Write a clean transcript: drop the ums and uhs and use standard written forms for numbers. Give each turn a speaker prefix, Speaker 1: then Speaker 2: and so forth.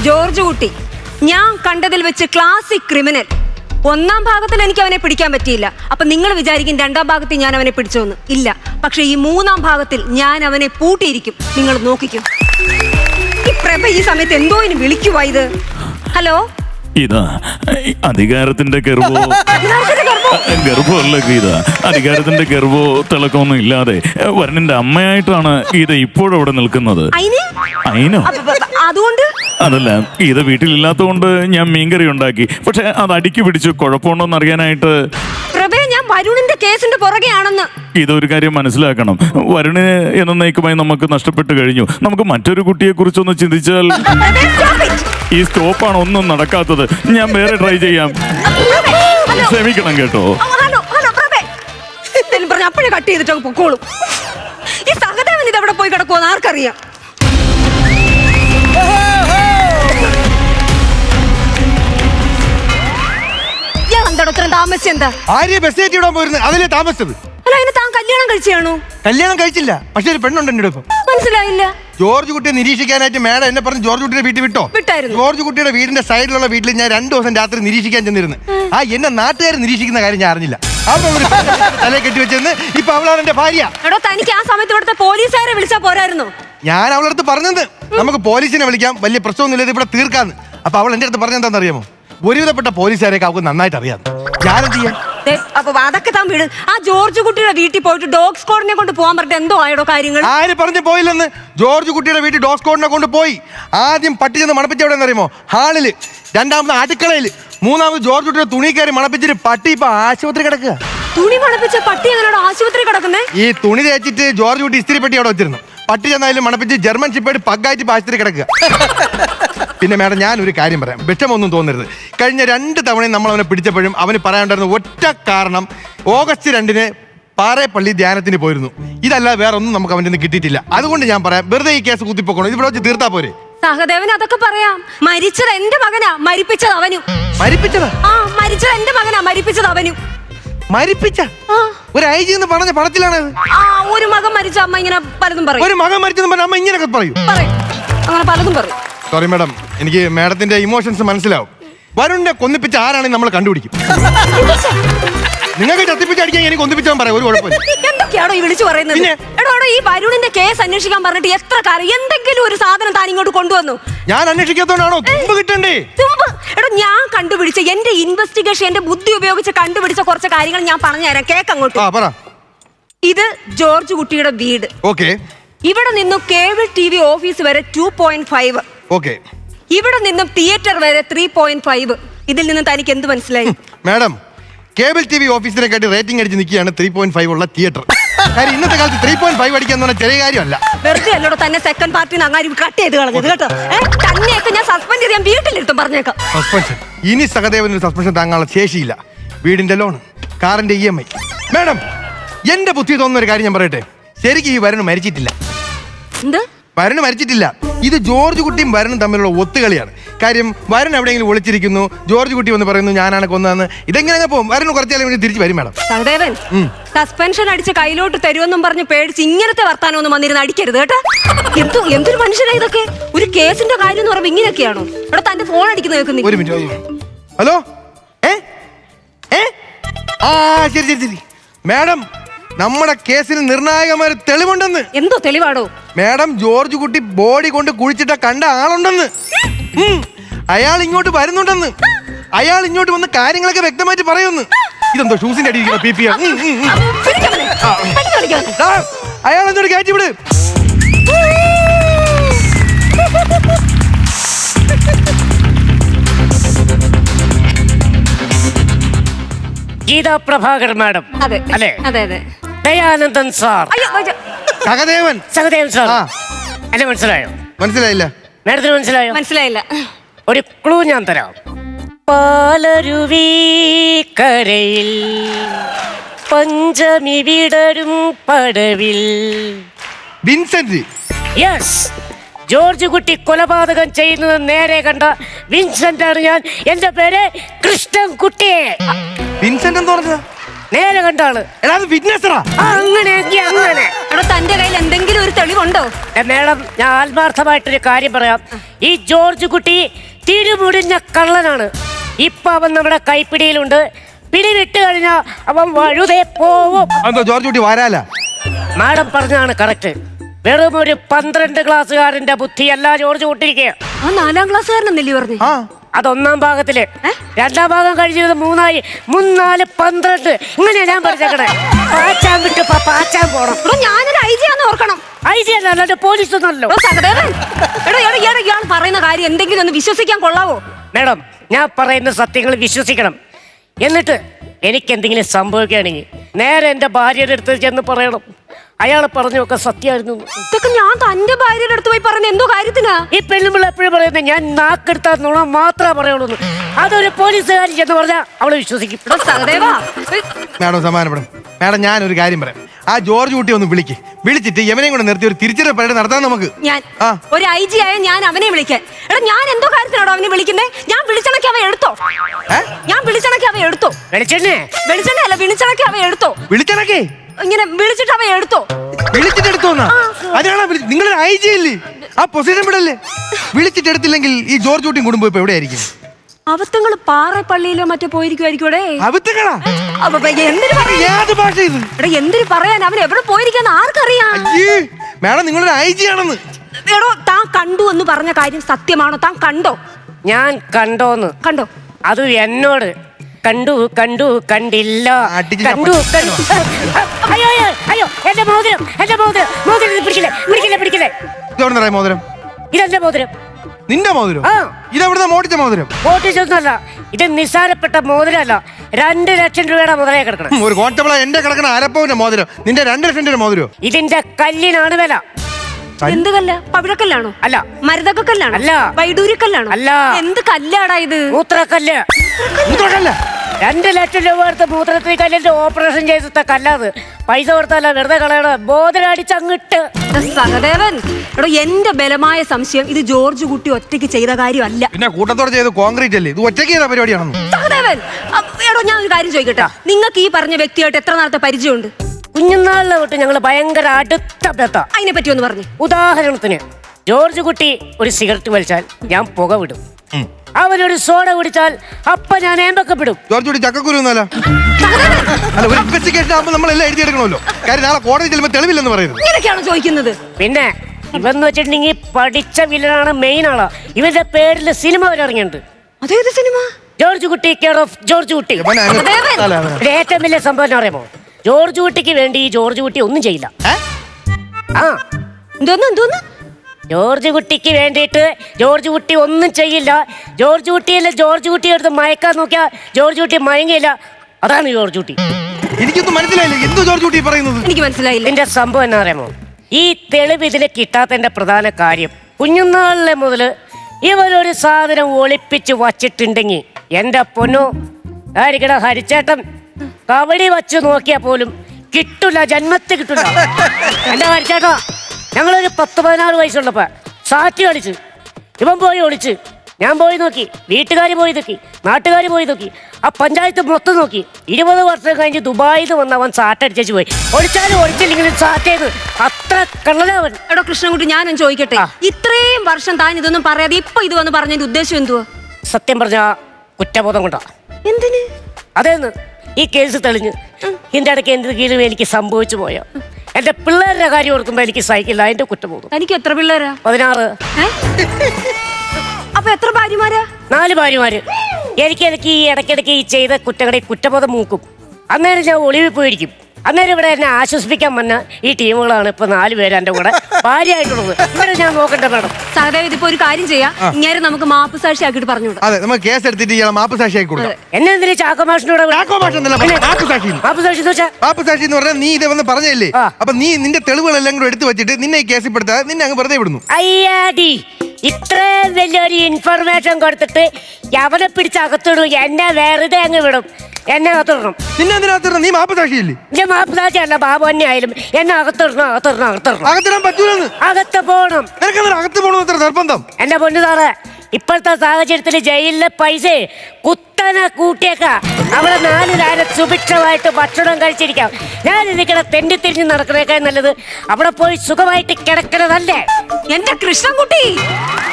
Speaker 1: George കുട്ടി ഞാൻ കണ്ടതിൽ വെച്ച് ക്ലാസിക് ക്രിമിനൽ. ഒന്നാം ഭാഗത്തിൽ എനിക്ക് അവനെ പിടിക്കാൻ പറ്റിയില്ല. അപ്പൊ നിങ്ങൾ വിചാരിക്കും രണ്ടാം ഭാഗത്തിൽ ഞാൻ അവനെ പിടിച്ചോന്ന്. ഇല്ല, പക്ഷെ ഈ മൂന്നാം ഭാഗത്തിൽ ഞാൻ അവനെ പൂട്ടിയിരിക്കും. നിങ്ങൾ നോക്കിക്കും. ഈ പ്രഭ ഈ സമയത്ത് എന്തോ ഇനി വിളിക്കുവാ ഇത്. ഹലോ,
Speaker 2: ഇതാ അധികാരത്തിന്റെ ഗർവോ ഗർഭമല്ല ഗീത. അധികാരത്തിന്റെ ഗർവോ തിളക്കമൊന്നും ഇല്ലാതെ വരണിന്റെ അമ്മയായിട്ടാണ് ഗീത ഇപ്പോഴും അവിടെ നിൽക്കുന്നത്. അയിനോ?
Speaker 1: അതുകൊണ്ട്
Speaker 2: അതല്ല, ഗീത വീട്ടിലില്ലാത്തതുകൊണ്ട് ഞാൻ മീൻകറി ഉണ്ടാക്കി. പക്ഷെ അത് അടുക്കി പിടിച്ചു. കുഴപ്പമുണ്ടോന്ന് അറിയാനായിട്ട്.
Speaker 1: പ്രഭേ, ഞാൻ വരുണിന്റെ കേസിന്റെ പുറകെയാണെന്ന്.
Speaker 2: ഇതൊരു കാര്യം മനസ്സിലാക്കണം. വരുണിന് എന്നേക്കുമായി നമുക്ക് നഷ്ടപ്പെട്ടു കഴിഞ്ഞു. നമുക്ക് മറ്റൊരു കുട്ടിയെ കുറിച്ചൊന്ന് ചിന്തിച്ചാൽ. ഈ സ്റ്റോപ്പാണ് ഒന്നും നടക്കാത്തത്. ഞാൻ വേറെ ട്രൈ ചെയ്യാം. ക്ഷമിക്കണം കേട്ടോ.
Speaker 1: അപ്പോഴേ കട്ട് ചെയ്തിട്ട് പൊക്കോളും. ഈ സഹദേവൻ ഇത് എവിടെ പോയി കിടക്കുമെന്ന് ആർക്കറിയാം. താമസിച്ച എന്താ?
Speaker 3: ആര്യ ബസ് കയറ്റി വിടാൻ പോയിരുന്നു, അതിലെ താമസിച്ചത്.
Speaker 1: അല്ല, അതിന് താൻ കല്യാണം കഴിച്ചാണോ?
Speaker 3: കല്യാണം കഴിച്ചില്ല, പക്ഷെ ഒരു പെണ്ണുണ്ട് എന്റെ ഇപ്പം.
Speaker 1: മനസ്സിലായില്ല.
Speaker 3: ജോർജ് കുട്ടിയെ നിരീക്ഷിക്കാനായിട്ട് മേഡം എന്നെ പറഞ്ഞ് ജോർജ് കുട്ടിയുടെ വീട്ടിൽ വിട്ടോ.
Speaker 1: വിട്ടായിരുന്നു.
Speaker 3: ജോർജ് കുട്ടിയുടെ വീടിന്റെ സൈഡിലുള്ള വീട്ടിൽ ഞാൻ 2 ദിവസം രാത്രി നിരീക്ഷിക്കാൻ ചെന്നിരുന്നു. എന്നെ നാട്ടുകാർ നിരീക്ഷിക്കുന്ന കാര്യം ഞാൻ അറിഞ്ഞില്ല. തലയെ കെട്ടി വെച്ചെന്ന് ഇപ്പൊ അവളാണ് എന്റെ ഭാര്യ.
Speaker 1: എടോ, തനിക്ക് ആ സമയത്ത് ഇവിടുത്തെ പോലീസുകാരെ വിളിച്ചാ പോരായിരുന്നു?
Speaker 3: ഞാൻ അവളുടെ അടുത്ത് പറഞ്ഞത് നമുക്ക് പോലീസിനെ വിളിക്കാം, വലിയ പ്രശ്നമൊന്നുമില്ല, ഇവിടെ തീർക്കാന്ന്. അപ്പൊ അവൾ എന്റെ അടുത്ത് പറഞ്ഞെന്താണെന്ന് അറിയാമോ? ഒരുവിധപ്പെട്ട പോലീസുകാരെയൊക്കെ അവൾക്ക് നന്നായിട്ട് അറിയാം. ഞാനെന്ത് ചെയ്യാം?
Speaker 1: അപ്പൊ അതൊക്കെ താൻ വീട്. ആ ജോർജ് കുട്ടിയുടെ വീട്ടിൽ പോയിട്ട് ഡോഗ് സ്ക്വാഡിനെ കൊണ്ട് പോകാൻ പറഞ്ഞിട്ട് എന്തോ ആയടോ കാര്യങ്ങൾ.
Speaker 3: ആര് പറഞ്ഞു പോയില്ലെന്ന്? ജോർജ് കുട്ടിയുടെ വീട്ടിൽ ഡോഗ് സ്ക്വാഡിനെ കൊണ്ട് പോയി. ആദ്യം പട്ടി ചെന്ന് മണപ്പിച്ച എവിടെ അറിയുമോ? ഹാളില്. രണ്ടാമത് അടുക്കളയിൽ. മൂന്നാമത് ജോർജ് കുട്ടിയുടെ തുണി കയറി മണപ്പിച്ചിട്ട് പട്ടി ഇപ്പൊ ആശുപത്രി കിടക്കുക.
Speaker 1: തുണി മണപ്പിച്ച പട്ടി എങ്ങനെയാണ് ആശുപത്രി കിടക്കുന്നേ?
Speaker 3: ഈ തുണി തേച്ചിട്ട് ജോർജ് കുട്ടി ഇസ്തിരി പെട്ടി അവിടെ വെച്ചിരുന്നു. പട്ടി ചെന്നാലും മണപ്പിച്ച് ജർമ്മൻ ഷിപ്പേഡ് പഗ്ഗായിട്ട് ആശുപത്രി കിടക്കുക. പിന്നെ മേഡം, ഞാൻ ഒരു കാര്യം പറയാം, വിഷമൊന്നും തോന്നരുത്. കഴിഞ്ഞ 2 തവണയും നമ്മൾ അവനെ പിടിച്ചപ്പോഴും അവന് പറയാനുണ്ടായിരുന്ന ഒറ്റ കാരണം, ഓഗസ്റ്റ് 2-ന് പാറേപ്പള്ളി ധ്യാനത്തിന് പോയിരുന്നു. ഇതല്ല വേറെ ഒന്നും നമുക്ക് അവൻ്റെ നിന്ന് കിട്ടിയിട്ടില്ല. അതുകൊണ്ട് ഞാൻ പറയാം, വെറുതെ ഈ കേസ് കുത്തിപ്പോക്കണം. ഇവിടെ വെച്ച് തീർത്താ പോരെ?
Speaker 1: സഹദേവൻ അതൊക്കെ പറയാം. മരിച്ചത് എന്റെ മകനാ, മരിപ്പിച്ചത് അവനും.
Speaker 3: മരിപ്പിച്ചതാ?
Speaker 1: ആ, മരിച്ചത് എന്റെ മകനാ, മരിപ്പിച്ചത് അവനും.
Speaker 3: മരിപ്പിച്ച ഒരു ഐജി എന്ന് പറഞ്ഞ പടത്തിലാണ്.
Speaker 1: ആ, ഒരു മകൻ മരിച്ച അമ്മ ഇങ്ങനെ പലതും പറയും.
Speaker 3: ഒരു മകൻ മരിച്ചെന്ന് പറഞ്ഞ അമ്മ ഇങ്ങനെയൊക്കെ പറയും.
Speaker 1: അങ്ങനെ പലതും പറയും.
Speaker 3: സോറി മാഡം, എനിക്ക് മാഡത്തിന്റെ ഇമോഷൻസ് മനസ്സിലാവും. വരുണിനെ കൊന്നിപ്പിച്ച ആരാണെന്ന് നമ്മൾ കണ്ടുപിടിക്കും. നിങ്ങൾക്ക് ചത്തിപ്പിച്ചടിക്കാൻ എനിക്ക് ഒന്നിപ്പിച്ചാൽ പറയാം, ഒരു കുഴപ്പമില്ല.
Speaker 1: എന്തൊക്കെയാണോ ഈ വിളിച്ചു പറയുന്നത്? എടോ, ഈ വരുണിന്റെ കേസ് അന്വേഷിക്കാൻ പറഞ്ഞിട്ട് എത്ര കാര്യം എന്തെങ്കിലും ഒരു സാധനം താൻ ഇങ്ങോട്ട് കൊണ്ടുവന്നു?
Speaker 3: ഞാൻ അന്വേഷിക്കാത്തോണ്ടാണോ തുമ്പ് കിട്ടണ്ടേ?
Speaker 1: എടോ, ഞാൻ കണ്ടുപിടിച്ച എന്റെ ഇൻവെസ്റ്റിഗേഷൻ, എന്റെ ബുദ്ധി ഉപയോഗിച്ച് കണ്ടുപിടിച്ച കുറച്ച് കാര്യങ്ങൾ ഞാൻ പറഞ്ഞുതരാം, കേക്കങ്ങോട്ട്. ഇത് ജോർജ് കുട്ടിയുടെ വീട്.
Speaker 3: ഓക്കെ.
Speaker 1: ഇവിടെ നിന്നും കേബിൾ TV ഓഫീസ് വരെ 2.5.
Speaker 3: ഓക്കെ.
Speaker 1: ഇവിടെ നിന്നും തിയേറ്റർ വരെ 3.5. ഇതിൽ നിന്ന് തനിക്ക് എന്ത് മനസ്സിലായി?
Speaker 3: മാഡം, കേബിൾ TV ഓഫീസിനെക്കാട്ടി റേറ്റിംഗ് അടിച്ച് നിൽക്കുകയാണ് 3.5 ഉള്ള തിയേറ്റർ. കാര്യം ഇന്നത്തെ കാലത്ത് 3.5 അടിക്കാന്ന് പറഞ്ഞാൽ ചെറിയ കാര്യമല്ല.
Speaker 1: വെറുതെ അല്ലോടോ തന്നെ സെക്കൻഡ് പാർട്ടിന്ന് അങ്ങാരി കട്ട് ചെയ്ത് കളഞ്ഞത് കേട്ടോ. തന്നെയൊക്കെ ഞാൻ സസ്പെൻഡ് ചെയ്ത് ഞാൻ വീട്ടിലിരുത്തും പറഞ്ഞേക്കാം.
Speaker 3: സസ്പെൻഷൻ? ഇനി സഹദേവന് സസ്പെൻഷൻ താങ്ങാനുള്ള ശേഷിയില്ല. വീടിന്റെ ലോൺ, കാറിന്റെ EMI. മാഡം, എന്റെ ബുദ്ധി തോന്നുന്ന ഒരു കാര്യം ഞാൻ പറയട്ടെ. ശരിക്കും ഈ വരുണ് മരിച്ചിട്ടില്ല.
Speaker 1: എന്ത്?
Speaker 3: വരുണ് മരിച്ചിട്ടില്ല. ഇത് ജോർജ് കുട്ടിയും വരുണും തമ്മിലുള്ള ഒത്തുകളിയാണ്. കാര്യം വരുൺ എവിടെയെങ്കിലും ഒളിച്ചിരിക്കുന്നു, ജോർജ് കുട്ടി വന്ന് പറയുന്നു ഞാനാണ് കൊന്നതെന്ന്. ഇതെങ്ങനെ പോകും? വരുണ് കുറച്ചാലും തിരിച്ചു വരും. മാഡം,
Speaker 1: സഹദേവൻ സസ്പെൻഷൻ അടിച്ച് കയ്യിലോട്ട് തരുമെന്നും പറഞ്ഞ് പേടിച്ച് ഇങ്ങനത്തെ വർത്താനൊന്നും വന്നിരുന്ന് അടിക്കരുത് കേട്ടോ. എന്തൊരു മനുഷ്യനാ ഇതൊക്കെ? ഒരു കേസിന്റെ കാര്യം എന്ന് പറയുമ്പോ ഇങ്ങനെയൊക്കെയാണോ? ഇവിടെ തന്റെ ഫോൺ അടിക്കുന്ന കേൾക്കുന്നു.
Speaker 3: ഒരു മിനിറ്റ്. ഹലോ. ശരി ശരി ശരി മാഡം, നമ്മുടെ കേസിന് നിർണായകമായ തെളിവുണ്ടെന്ന്.
Speaker 1: എന്തോ തെളിവാടോ?
Speaker 3: മാഡം, ജോർജ് കുട്ടി ബോഡി കൊണ്ട് കുഴിച്ചിട്ട കണ്ട ആളുണ്ടെന്ന്. അയാൾ ഇങ്ങോട്ട് വരുന്നുണ്ടെന്ന്. അയാൾ ഇങ്ങോട്ട് വന്ന് കാര്യങ്ങളൊക്കെ വ്യക്തമായിട്ട് പറയുന്നു. ഇതെന്തോ ഷൂസിന്റെ അടിയിരിക്കുന്ന PP? അയാൾ എന്നോട് കയറ്റി വിട്.
Speaker 4: ഗീതാ പ്രഭാകർ മാഡം
Speaker 1: അല്ലേ? അതെ അതെ.
Speaker 4: ദയാനന്ദൻ സാർ.
Speaker 3: സഹദേവൻ.
Speaker 4: സഹദേവൻ സാർ. അല്ലെ, മനസ്സിലായോ?
Speaker 3: മനസ്സിലായില്ല.
Speaker 4: മാഡത്തിന് മനസ്സിലായോ?
Speaker 1: മനസ്സിലായില്ല.
Speaker 4: ഒരു ക്ലൂ ഞാൻ തരാം. പാലരുവി കരയിൽ പഞ്ചമി വിടരും പടവിൽ.
Speaker 3: വിൻസെന്റ്.
Speaker 4: യെസ്, ജോർജ് കുട്ടി കൊലപാതകം ചെയ്യുന്നത് നേരെ കണ്ട വിൻസെന്റ് ആണ് ഞാൻ. എന്റെ പേര് കൃഷ്ണൻകുട്ടി.
Speaker 3: വിൻസെന്റ് എന്ന് പറഞ്ഞ
Speaker 4: നേരെ കണ്ടാള്.
Speaker 3: എടാ അത് വിറ്റ്നസ്സാ.
Speaker 4: അങ്ങനെയെങ്കിൽ അങ്ങനെ.
Speaker 1: എടാ തന്റെ കയ്യിൽ എന്തെങ്കിലും ഒരു തെളിവുണ്ടോ?
Speaker 4: മേഡം, ഞാൻ ആത്മാർത്ഥമായിട്ടൊരു കാര്യം പറയാം. ഈ ജോർജ് കുട്ടി തിരുമുടിഞ്ഞ കള്ളനാണ്. ഇപ്പൊ അവൻ നമ്മുടെ കൈപ്പിടിയിലുണ്ട്. പിടിവിട്ട് കഴിഞ്ഞാൽ അവൻ വഴുതേ പോവും.
Speaker 3: എന്തോ ജോർജ് കുട്ടി വരാല.
Speaker 4: മാഡം പറഞ്ഞാണ് കറക്റ്റ്. വെറും ഒരു 12 ക്ലാസ്സുകാരന്റെ ബുദ്ധിയല്ല ജോർജ് കുട്ടിക്ക്.
Speaker 1: ആ 4ാം ക്ലാസ്സുകാരനെന്നല്ലേ പറഞ്ഞു?
Speaker 3: ആ
Speaker 4: അത് 1ാം ഭാഗത്തില്. 2ാം ഭാഗം കഴിഞ്ഞത് 3 ആയി. 3, 4, 12 ഇങ്ങനെയാ ഞാൻ പറഞ്ഞേക്കണേ. പാച്ചാൻ വിട്ട് പാച്ചാൻ പോണം.
Speaker 1: എടോ ഞാനൊരു ഐ ജി ആണെന്ന് ഓർക്കണം.
Speaker 4: ഐ ജി അല്ല, അല്ലാണ്ട് പോലീസ് ഒന്നല്ലോ.
Speaker 1: എടോ സഹദേവൻ, ഇയാൾ പറയുന്ന കാര്യം എന്തെങ്കിലും ഒന്ന് വിശ്വസിക്കാൻ കൊള്ളാവോ?
Speaker 4: മേഡം, ഞാൻ പറയുന്ന സത്യങ്ങൾ വിശ്വസിക്കണം. എന്നിട്ട് എനിക്ക് എന്തെങ്കിലും സംഭവിക്കുകയാണെങ്കിൽ നേരെ എൻ്റെ ഭാര്യയുടെ അടുത്ത് ചെന്ന് പറയണം, അയാൾ പറഞ്ഞൊക്കെ സത്യമായിരുന്നു.
Speaker 1: ഇതൊക്കെ ഞാൻ തന്റെ ഭാര്യയുടെ അടുത്ത് പോയി പറഞ്ഞ എന്തോ കാര്യത്തിനാ?
Speaker 4: ഈ പെണ്ണുമ്പിള്ള എപ്പോഴും പറയുന്നത് ഞാൻ നാക്കെടുത്താ നുണ മാത്രമേ പറയുള്ളൂ. അതൊരു പോലീസുകാരി ചെന്ന് പറഞ്ഞാൽ അവള് വിശ്വസിക്കും.
Speaker 1: എടോ സഹദേവാ,
Speaker 3: മാഡം സമാധാനപ്പെടും. മാഡം ഞാനൊരു കാര്യം പറയാം. ആ ജോർജ് കുട്ടി ഒന്ന് വിളിച്ചിട്ട് യവനെയും കൂടെ നിർത്തി ഒരു തിരിച്ചറിയൽ പരേഡ് നടത്താൻ നമുക്ക്.
Speaker 1: ഞാൻ ഒരു ഐ ജി ആയ ഞാൻ അവനെ വിളിക്കാൻ. എടാ ഞാൻ എന്തോ കാര്യത്തിനാണോ അവനെ വിളിക്കുന്നേ? ഞാൻ വിളിച്ചണക്കി അവ എടുത്തോ? ഞാൻ വിളിച്ചണക്കി അവ എടുത്തോ? വെളിച്ചെണ്ണ അല്ല, വിളിച്ചണക്കി അവ എടുത്തോ?
Speaker 3: വിളിച്ചണക്കേ
Speaker 1: ഇങ്ങനെ വിളിച്ചിട്ട് അവ എടുത്തോ?
Speaker 3: വിളിച്ചിട്ട് എടുത്തോന്നാ? അതിനാണ് നിങ്ങളൊരു ഐ ജി അല്ലേ? ആ പൊസിഷൻ വിടല്ലേ? വിളിച്ചിട്ട് എടുത്തില്ലെങ്കിൽ ഈ ജോർജ് കുട്ടിയും കുടുംബം ഇപ്പൊ എവിടെയായിരിക്കും?
Speaker 1: അവത്തങ്ങള് പാറപ്പള്ളിയിലോ മറ്റോ പോയിരിക്കുമായിരിക്കൂടെ?
Speaker 3: അവത്തങ്ങളാ?
Speaker 1: എന്തിനു
Speaker 3: ഭാഷ ഇത്?
Speaker 1: എടാ എന്തിനു പറയാൻ? അവൻ എവിടെ പോയിരിക്കാന്ന് ആർക്കറിയാം?
Speaker 3: മാഡം നിങ്ങളൊരു ഐ ജി ആണെന്ന്.
Speaker 1: എടോ താൻ കണ്ടു എന്ന് പറഞ്ഞ കാര്യം സത്യമാണോ? താൻ കണ്ടോ?
Speaker 4: ഞാൻ കണ്ടോന്ന്?
Speaker 1: കണ്ടോ?
Speaker 4: അത് എന്നോട് കണ്ടു കണ്ടില്ല. കണ്ടു അയ്യോ അയ്യോ അയ്യോ, എന്റെ മോതിരം പിടിക്കില്ലേ.
Speaker 3: ഇതെവിടെ മോതിരം?
Speaker 4: ഇതെന്റെ മോതിരം.
Speaker 3: നിന്റെ മോതിരം? ഇതെവിടുന്ന മോട്ടിച്ച മോതിരം?
Speaker 4: മോട്ടിച്ചൊന്നുമല്ല, ഇത് നിസ്സാരപ്പെട്ട മോതിരമല്ല. 2 ലക്ഷം രൂപയുടെ മുതലേ കിടക്കണം.
Speaker 3: ഒരു കോൺസ്റ്റബിൾ എന്റെ കിടക്കണ അരപ്പവിന്റെ മോതിരം, നിന്റെ 2 ലക്ഷം രൂപ മോതിരം.
Speaker 4: ഇതിന്റെ കല്ലിനാണ് വില.
Speaker 1: എന്ത് കല്ല? പവിഴക്കല്ലാണോ?
Speaker 4: അല്ല.
Speaker 1: മരുതക്കല്ലാണോ?
Speaker 4: അല്ല.
Speaker 1: വൈഡൂര്യക്കല്ലാണോ?
Speaker 4: അല്ല.
Speaker 1: എന്ത് കല്ലാടാ ഇത്?
Speaker 4: മൂത്രക്കല്ല്. 2 ലക്ഷം രൂപ എടുത്ത് മൂത്രത്തിൽ കല്ലിന്റെ ഓപ്പറേഷൻ ചെയ്തിട്ട കല്ലാത്. പൈസ കൊടുത്തല്ല, വെറുതെ കളയണ. ബോധനടിച്ചങ്ങിട്ട്.
Speaker 1: സഹദേവൻ, എടോ എന്റെ ബലമായ സംശയം ഇത് ജോർജ് കുട്ടി ഒറ്റയ്ക്ക് ചെയ്ത കാര്യമല്ല.
Speaker 3: പിന്നെ കൂട്ടത്തോടെ ചെയ്ത് കോൺക്രീറ്റ് അല്ലേ? ഇത് ഒറ്റയ്ക്ക് ചെയ്ത പരിപാടിയാണെന്ന്.
Speaker 1: സഹദേവൻ, എടോ ഞാൻ ഒരു കാര്യം ചോദിക്കട്ടെ, നിങ്ങൾക്ക് ഈ പറഞ്ഞ വ്യക്തിയായിട്ട് എത്ര നാളത്തെ പരിചയമുണ്ട്?
Speaker 4: കുഞ്ഞുനാളിലെ തൊട്ട് ഞങ്ങൾ ഭയങ്കര അടുത്ത ബന്ധ.
Speaker 1: അതിനെ പറ്റി ഒന്ന് പറഞ്ഞു.
Speaker 4: ഉദാഹരണത്തിന്, ജോർജ് കുട്ടി ഒരു സിഗരറ്റ് വലിച്ചാൽ ഞാൻ പുക വിടും. അവനൊരു സോഡ കുടിച്ചാൽ അപ്പ ഞാൻ ഏമ്പക്കപ്പെടും.
Speaker 3: ജോർജ് കുട്ടി ചക്കക്കുരു അല്ല, ഒരു ഇൻവെസ്റ്റിഗേഷൻ ആകുമ്പോൾ നമ്മളെല്ലാം എഴുതിയെടുക്കണമല്ലോ. കാര്യം നാളെ കോടതി ചെല്ലുമ്പോൾ തെളിവില്ലെന്ന് പറയുന്നത്.
Speaker 1: ഇങ്ങനെയൊക്കെയാണോ ചോദിക്കുന്നത്?
Speaker 4: പിന്നെ ഇവന്ന് വെച്ചിട്ടുണ്ടെങ്കിൽ പഠിച്ച വില്ലനാണ്, മെയിൻ ആളാ. ഇവന്റെ പേരിൽ സിനിമ വരെ ഇറങ്ങിയിട്ടുണ്ട്.
Speaker 1: അതേത് cinema?
Speaker 4: Georgekutty care of Georgekutty. ഏറ്റവും വലിയ സംഭവം എന്ന് പറയുമ്പോ ജോർജ് കുട്ടിക്ക് വേണ്ടി ജോർജ് കുട്ടി ഒന്നും ചെയ്യില്ല.
Speaker 1: എന്തോന്ന്?
Speaker 4: ജോർജ് കുട്ടിക്ക് വേണ്ടിയിട്ട് ജോർജ് കുട്ടി ഒന്നും ചെയ്യില്ല. ജോർജ് കുട്ടിയല്ല, ജോർജ് കുട്ടി എടുത്ത് മയക്കാൻ നോക്കിയാൽ ജോർജ് കുട്ടി മയങ്ങിയില്ല. അതാണ് ജോർജ് കുട്ടി.
Speaker 3: എനിക്കൊന്നും മനസ്സിലായില്ല. എന്തോ ജോർജ് കുട്ടി പറയുന്നത്?
Speaker 1: എനിക്ക് മനസ്സിലായില്ല.
Speaker 4: ഇതിന്റെ സംഭവം എന്നാ അറിയാമോ? ഈ തെളിവ് ഇതിന് കിട്ടാത്തതിന്റെ പ്രധാന കാര്യം, കുഞ്ഞുനാളിലെ മുതല് ഇവരൊരു സാധനം ഒളിപ്പിച്ച് വച്ചിട്ടുണ്ടെങ്കിൽ എന്റെ പൊന്നു ആയിരിക്കണ ഹരിച്ചേട്ടൻ കബഡി വച്ച് നോക്കിയാൽ പോലും കിട്ടില്ല, ജന്മത്തിൽ കിട്ടില്ല. എന്റെ ഹരിച്ചേട്ടാ, ഞങ്ങളൊരു 10-16 വയസ്സുള്ളപ്പോ സാറ്റ് കളിച്ച് ഇവൻ പോയി ഒളിച്ച്, ഞാൻ പോയി നോക്കി, വീട്ടുകാർ പോയി നോക്കി, നാട്ടുകാർ പോയി നോക്കി, ആ പഞ്ചായത്ത് മൊത്തം നോക്കി. 20 വർഷം കഴിഞ്ഞ് ദുബായിൽ നിന്ന് വന്ന് അവൻ സാറ്റടിച്ചു പോയി. ഒളിച്ചാലും ഒളിച്ചില്ലെങ്കിലും സാറ്റേത്. അത്ര കള്ളനവൻ.
Speaker 1: എടോ കൃഷ്ണൻകുട്ടി, ഞാനും ചോദിക്കട്ടെ, ഇത്രയും വർഷം താൻ ഇതൊന്നും പറയാതെ ഇപ്പൊ ഇത് വന്ന് പറഞ്ഞതിന്റെ ഉദ്ദേശം എന്തുവാ?
Speaker 4: സത്യം പറഞ്ഞ കുറ്റബോധം കൊണ്ടാ.
Speaker 1: എന്തിന്?
Speaker 4: അതേന്ന് ഈ കേസ് തെളിഞ്ഞ് ഇതിന്റെ ഇടയ്ക്ക് എന്തെങ്കിലും എനിക്ക് സംഭവിച്ചു പോയോ, എന്റെ പിള്ളേരുടെ കാര്യം ഓർക്കുമ്പോ എനിക്ക് സഹിക്കില്ല. അതിന്റെ കുറ്റബോധം.
Speaker 1: എനിക്ക് എത്ര പിള്ളേരാ?
Speaker 4: 16.
Speaker 1: അപ്പൊ എത്ര ഭാര്യമാരാ?
Speaker 4: 4 ഭാര്യമാര്. എനിക്ക് ഈ ഇടയ്ക്കിടയ്ക്ക് ഈ ചെയ്ത കുറ്റങ്ങളെ കുറ്റബോധം മൂക്കും. അന്നേരം ഞാൻ ഒളിവിൽ പോയിരിക്കും. അന്നേരം ഇവിടെ എന്നെ ആശ്വസിപ്പിക്കാൻ വന്ന ഈ ടീമുകളാണ് ഇപ്പൊ 4 പേര് എന്റെ കൂടെ ഭാര്യയായിട്ടുള്ളത്. ഇവരെ ഞാൻ നോക്കട്ടെ മാഡം.
Speaker 1: സഹദേവ്, ഇതിപ്പോ ഒരു കാര്യം ചെയ്യാം, ഇങ്ങനെ നമുക്ക് മാപ്പ് സാക്ഷി ആക്കിയിട്ട് പറഞ്ഞുകൂടാ?
Speaker 3: അതെ, നമുക്ക് കേസ് എടുത്തിട്ട് ഇയാളെ മാപ്പ് സാക്ഷി ആക്കി കൊടുക്കാം.
Speaker 4: എന്നെ എന്തിനാ ചാക്കോമാഷിനോട്?
Speaker 3: മാപ്പ് സാക്ഷി എന്ന് പറഞ്ഞാൽ നീ ഇതേ വന്ന് പറഞ്ഞല്ലേ, അപ്പൊ നീ നിന്റെ തെളിവുകളെല്ലാം കൂടെ എടുത്തു വെച്ചിട്ട് നിന്നെ ഈ കേസിൽ പെടുത്താതെ നിന്നെ അങ്ങ് വെറുതെ വിടുന്നു.
Speaker 4: അയ്യാടി, ഇത്രയും വലിയൊരു ഇൻഫർമേഷൻ കൊടുത്തിട്ട് അവനെ പിടിച്ച് അകത്തിടും, എന്നെ വെറുതെ അങ്ങ് വിടും. എന്നെ അകത്തിടണം.
Speaker 3: നിന്നെ എന്തിനാ? നീ മാപ്പ് സാക്ഷിയില്ലേ?
Speaker 4: ഞാൻ മാപ്പ് സാക്ഷിയല്ല, ബാബു തന്നെ ആയാലും എന്നെ അകത്തിടണം.
Speaker 3: അകത്തിടാൻ പറ്റൂലെന്ന്.
Speaker 4: അകത്ത് പോകണം.
Speaker 3: നിനക്ക് അകത്ത് പോകണം നിർബന്ധം?
Speaker 4: എന്റെ പൊന്നു സാറേ, ഇപ്പോഴത്തെ സാഹചര്യത്തിൽ ജയിലിലെ പൈസ കുത്തനെ കൂട്ടിയേക്കാം. അവിടെ 4 നേരം സുഭിക്ഷമായിട്ട് ഭക്ഷണം കഴിച്ചിരിക്കാം. ഞാൻ ഇതിക്കടെ തെണ്ടിത്തിരിഞ്ഞ് നടക്കണേക്കാൾ നല്ലത് അവിടെ പോയി സുഖമായിട്ട് കിടക്കണതല്ലേ.
Speaker 1: എന്റെ കൃഷ്ണൻകുട്ടി,